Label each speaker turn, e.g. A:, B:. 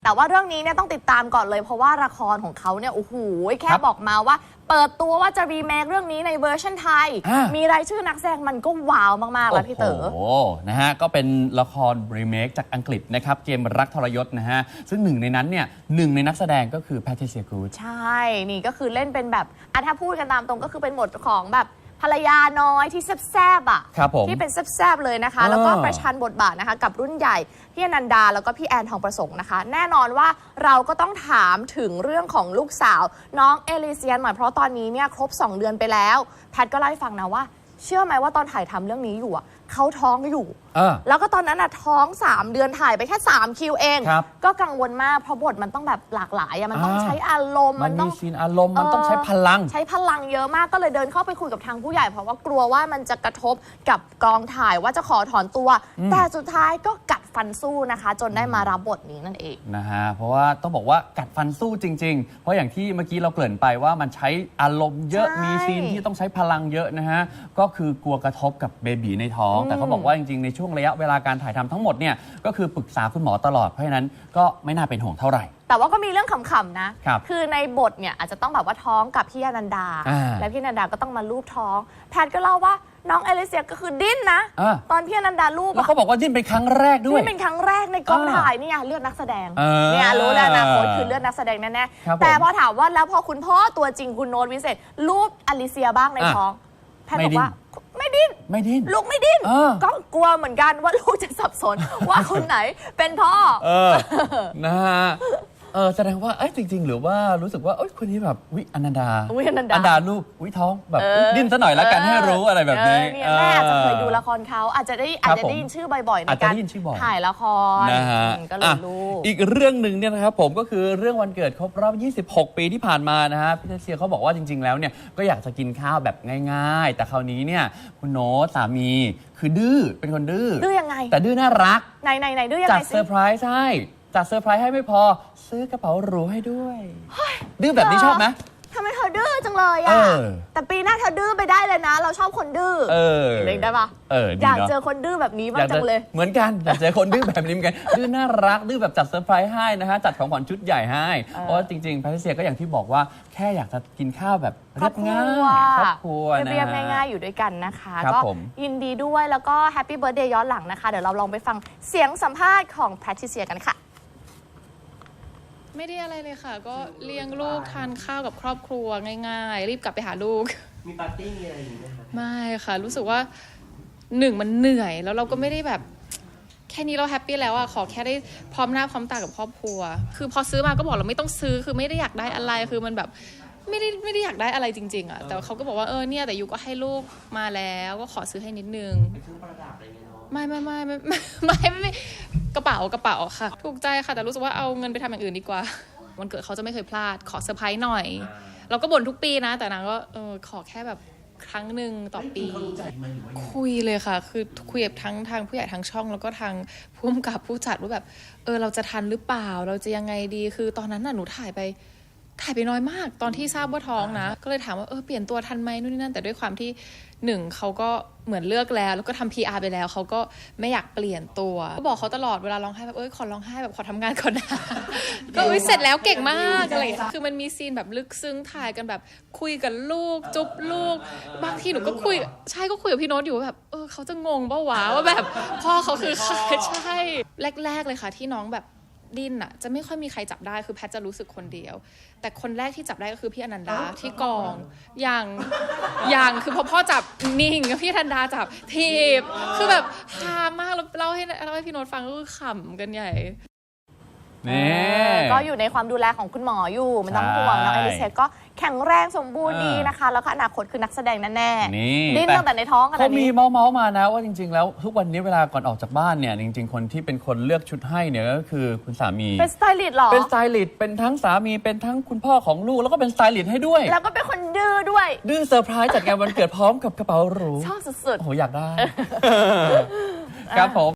A: แต่ว่าเรื่องนี้เนี่ยต้องติดตามก่อนเลยเพราะว่าละครของเขาเนี่ยโอ้โหแค่บอกมาว่าเปิดตัวว่าจะรีเมคเรื่องนี้ในเวอร์ชันไทยมีรายชื่อนักแสดงมันก็ว้าวมากๆแล้วพี่เต๋อ
B: โอ้นะฮะก็เป็นละครรีเมคจากอังกฤษนะครับเกมรักทรยศนะฮะซึ่งหนึ่งในนั้นเนี่ยหนึ่งในนักแสดงก็คือแพทริเซีย กูด
A: ใช่นี่ก็คือเล่นเป็นแบบถ้าพูดกันตามตรงก็คือเป็นบทของแบบภรรยาน้อยที่แซบๆอ่ะที่เป็นแซบๆเลยนะคะแล้วก็ประชันบทบาทนะคะกับรุ่นใหญ่พี่อนันดาแล้วก็พี่แอนทองประสงค์นะคะแน่นอนว่าเราก็ต้องถามถึงเรื่องของลูกสาวน้องเอลิเซียนหน่อยเพราะตอนนี้เนี่ยครบ2 เดือนไปแล้วแพทก็เล่าให้ฟังนะว่าเชื่อไหมว่าตอนถ่ายทำเรื่องนี้อยู่เขาท้องอยู่แล้วก็ตอนนั้นท้อง3 เดือนถ่ายไปแค่3 คิวเองก็กังวลมากเพราะบทมันต้องแบบหลากหลายมันต้องใช้อารมณ์
B: มันต้องซีนอารมณ์มันต้องใช้พลัง
A: เยอะมากก็เลยเดินเข้าไปคุยกับทางผู้ใหญ่เพราะว่ากลัวว่ามันจะกระทบกับกองถ่ายว่าจะขอถอนตัวแต่สุดท้ายก็กัดฟันสู้นะคะจนได้มารับบทนี้นั่นเอง
B: นะฮะเพราะว่าต้องบอกว่ากัดฟันสู้จริงๆเพราะอย่างที่เมื่อกี้เราเกริ่นไปว่ามันใช้อารมณ์เยอะมีซีนที่ต้องใช้พลังเยอะนะฮะก็คือกลัวกระทบกับเบบีในท้องแต่เขาบอกว่าจริงๆในช่วงระยะเวลาการถ่ายทำทั้งหมดเนี่ยก็คือปรึกษาคุณหมอตลอดเพราะฉะนั้นก็ไม่น่าเป็นห่วงเท่าไหร่
A: แต่ว่าก็มีเรื่องขำๆนะคือในบทเนี่ยอาจจะต้องแบบว่าท้องกับพี่อนันดาและพี่อนันดาก็ต้องมาลูบท้องแพทย์ก็เล่าว่าน้องเอลิเซียก็คือดิ้นนะตอนพี่อนันดาลูบ
B: แล้วเขาบอกว่าดิ้นเป็นครั้งแรกด้วย
A: ดิ้นเป็นครั้งแรกในกองถ่ายเนี่ยเลือดนักแสดงเนี่ยรู้แล้วนะโค้ชคือเลือดนักแสดงแน่ๆแต่พอถามว่าแล้วพอคุณพ่อตัวจริงคุณโน้ตวิเศษลูบอลิเซียบ้างในท้องแพทย์บอกว่าไม่ดิ้นลูกไม่ดิ้นก็กลัวเหมือนกันว่าลูกจะสับสนว่าคนไหนเป็นพ่อ
B: นะฮะแสดงว่าจริงๆหรือว่ารู้สึกว่าคนนี้แบบวิอนันดาลูกวิท้องแบบดิ้นซะหน่อยแล้วกันให้รู้อะไรแบบนี้
A: แม่อาจจะเคยดูละครเขาอาจจะได้ยินชื่อบ่อยๆในการถ่ายละคร
B: นะฮะ
A: ก็เลยรู้
B: อีกเรื่องหนึ่งเนี่ยนะครับผมก็คือเรื่องวันเกิดครบรอบ26 ปีที่ผ่านมานะฮะพี่เซียเขาบอกว่าจริงๆแล้วเนี่ยก็อยากจะกินข้าวแบบง่ายๆแต่คราวนี้เนี่ยคุณโน้ตสามีคือดื้อเป็นคนดื้อ
A: ยังไง
B: แต่ดื้อน่ารัก
A: ไหนดื้อยังไง
B: จัดเซอร์ไพรส์ให้จัดเซอร์ไพรส์ให้ไม่พอซื้อกระเป๋าหรูให้ด้วยดื้อแบบนี้ชอบไหม
A: ทำไมเธอดื้อจังเลยแต่ปีหน้าเธอดื้อไปได้เลยนะเราชอบคนดื้อได้ปะอยากเจอคนดื้อแบบนี้บ้างจังเลย
B: เหมือนกันอยากเจอคนดื้อแบบนี้เหมือนกันดื้อน่ารักดื้อแบบจัดเซอร์ไพรส์ให้นะฮะจัดของขวัญชุดใหญ่ให้เพราะจริงๆแพทริเซียก็อย่างที่บอกว่าแค่อยากจะกินข้าวแบบเรียบง่ายครอบครัว
A: เรียบง่ายๆอยู่ด้วยกันนะคะก็ยินดีด้วยแล้วก็แฮปปี้เบิร์ธเดย์ย้อนหลังนะคะเดี๋ยวเราลองไปฟังเสียงสัมภาษณ์ของแพทริเซียกันค่ะ
C: ไม่ได้อะไรเลยค่ะก็เลี้ยงลูกทานข้าวกับครอบครัวง่ายๆรีบกลับไปหาลูก
D: มีปาร์ตี้มีอะไรอย่างนี้ไหมคะ
C: ไม่ค่ะรู้สึกว่ามันเหนื่อยแล้วเราก็ไม่ได้แบบแค่นี้เราแฮปปี้แล้วขอแค่ได้พร้อมหน้าพร้อมตากับครอบครัวคือพอซื้อมาก็บอกเราไม่ต้องซื้อคือไม่ได้อยากได้อะไรคือมันแบบไม่ได้อยากได้อะไรจริงๆแต่เขาก็บอกว่าเนี่ยแต่ยูก็ให้ลูกมาแล้วก็ขอซื้อให้นิดนึงไม่กระเป๋าค่ะถูกใจค่ะแต่รู้สึกว่าเอาเงินไปทำอย่างอื่นดีกว่าวันเกิดเขาจะไม่เคยพลาดขอเซอร์ไพรส์หน่อยเราก็บ่นทุกปีนะแต่นางก็ขอแค่แบบครั้งหนึ่งต่อปีคุยเลยค่ะคือคุยกับทั้งทางผู้ใหญ่ทางช่องแล้วก็ทางผู้กำกับผู้จัดว่าแบบเราจะทันหรือเปล่าเราจะยังไงดีคือตอนนั้นหนูถ่ายไปน้อยมากตอนที่ทราบว่าท้องนะก็เลยถามว่าเปลี่ยนตัวทันไหมนู่นนี่นั่นแต่ด้วยความที่เขาก็เหมือนเลือกแล้วก็ทำ PR ไปแล้วเขาก็ไม่อยากเปลี่ยนตัวก็บอกเขาตลอดเวลาร้องไห้แบบขอร้องไห้แบบขอทำงานก่อนนะก็เสร็จแล้วเก่งมากอะไรคือมันมีซีนแบบลึกซึ้งถ่ายกันแบบคุยกับลูกจุ๊บลูกบางทีหนูก็คุยกับพี่โน้ตอยู่แบบเขาจะงงป่าววะว่าแบบพ่อเขาคือใครใช่แรกๆเลยค่ะที่น้องแบบดิ้นจะไม่ค่อยมีใครจับได้คือแพทจะรู้สึกคนเดียวแต่คนแรกที่จับได้ก็คือพี่อนันดาที่กองอย่างคือพอพ่อจับนิ่งพี่อนันดาจับทีบคือแบบฮามากแล้วเล่าให้พี่โน้ตฟังก็คือขำกันใหญ่
A: ก็อยู่ในความดูแลของคุณหมออยู่มันต้องห่วงน้องเอลิเซียก็แข็งแรงสมบูรณ์ดีนะคะแล้วก็อนาคตคือนักแสดงแน่ๆดิ้นตั้งแต่ในท้อง
B: เขามีเมาส์มานะว่าจริงๆแล้วทุกวันนี้เวลาก่อนออกจากบ้านเนี่ยจริงๆคนที่เป็นคนเลือกชุดให้เนี่ยก็คือคุณสามี
A: เป็นสไตลิสต์หรอ
B: เป็นสไตลิสต์เป็นทั้งสามีเป็นทั้งคุณพ่อของลูกแล้วก็เป็นสไตลิสต์ให้ด้วย
A: แล้วก็เป็นคนดื้อด้วย
B: ดื้อเซอร์ไพรส์จัดงานวันเกิดพร้อมกับกระเป๋าหรู
A: ชอบสุดๆ
B: โอ้โหอยากได้ครับผม